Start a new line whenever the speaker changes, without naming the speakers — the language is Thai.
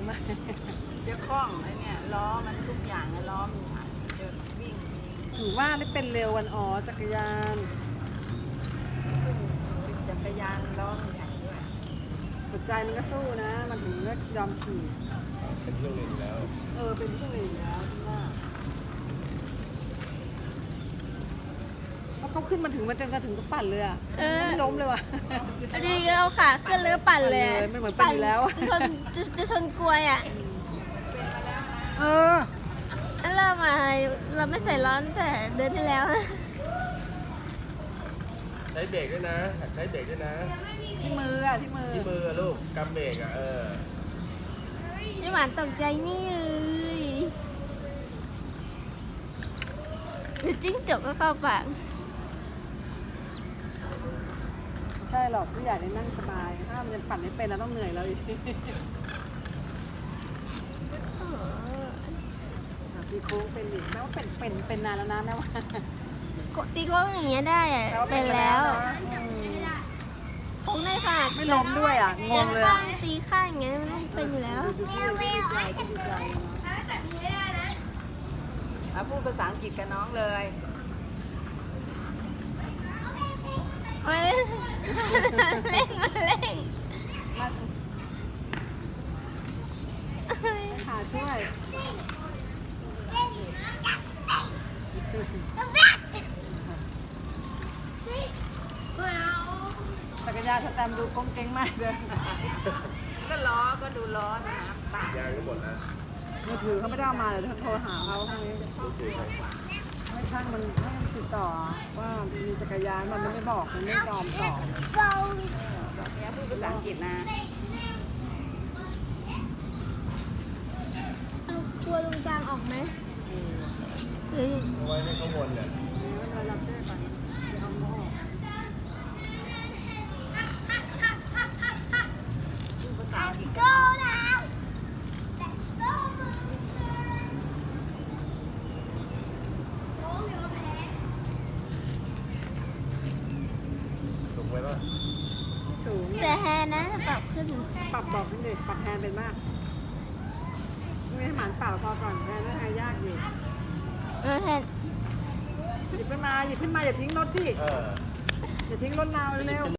มาก
จะคล่องไอ้เนี่ยล้อมันทุกอย่างอะล้อมันเดินวิ่งมี
ถือว่าได้เป็นเร็ววันอ๋อจักรยาน
จักรยานล้อมันใหญ่ด้วย
หัวใจมันก็สู้นะ มันถึงก็ยอมขี่
เป็นเครื่องเล่นอยู่แล้ว
เป็นที่เลยแล้วที่ว่าเพราะเขาขึ้นมาถึงมันจะถึงก็ปั่นเลยอ่ะไม่ล้มเลยว่ะ
ดีเอาขาขึ้นแล้วปั่นเลย
ไม่เหมือนปั่นอยู่แล้ว
จะชนกลวยอ่ะ
เออ
เริ่มมาเราไม่ใส่ร้อนแต่เดือนที่แล้วนะ
ใช้เบรกด้วยนะใช้เบรกด้วยนะ
ที่มืออ่ะที่มือ
ที่มือลูกกำเบรกอ่ะ
พี่หวานตกใจนี่เลยเดี๋ยวจิ้งจกก็เข้าปาก
ใช่หรอกผู้ใหญ่ได้นั่งสบายถ้ามันจะปั่นไม่เป็นเราต้องเหนื่อยแล้วอีกตีโค้งเป็นอีกแม้ว่าเป็นนานแล้วนะแม้ว่า
ตีโค้งอย่างเงี้ยได้อะเป็นแล้วโค้งได้ค่ะ
ไม่ล้มด้วยอ่ะงงเลย
ข้างตีข้างอย่างเงี้ยมันเป็นอยู่แล้ว
ดูดีใจดีใจ
มาพูดภาษาอังกฤษกับน้องเลย
เฮ้ยเร่งมาเร่ง
ขาช่วยจักรยานสแตมดูกงเก่งมากเลย
ก็ล้อก็ดูล้อนะปาก
ยางก็หมดนะ
มือถือเขาไม่ได้เอามาเดี๋ยวโทรหาเขาพรุ่งนี้
รู้สึกไง
ให้ช่างมันให้มันติดต่อว่ามีจักรยานมันไม่บอกมันไม่ยอมตอบ
บอกเนี้ยพูดภาษาอังกฤษนะ
เอาตัวตรงกลางออกไหมหรือ
เอาไว้ให้ข้างบนเนี่ย
เรารับได้ก่อนเดี๋ยวเอามาออก
พูดภาษาอังกฤษกับน้อง
สูงไว้ป่ะ
สูง
แต่แฮนะปรับขึ้น
ปรับบอกนิดหนึ่งปรับแทนเป็นมากไม่ให้หมานเปล่าพอก่อนแทนไม่ให้ยากอยู่
แฮน
หยิบขึ้นมาอย่าทิ้งรถที่อย่าทิ้งรถเราเร็ว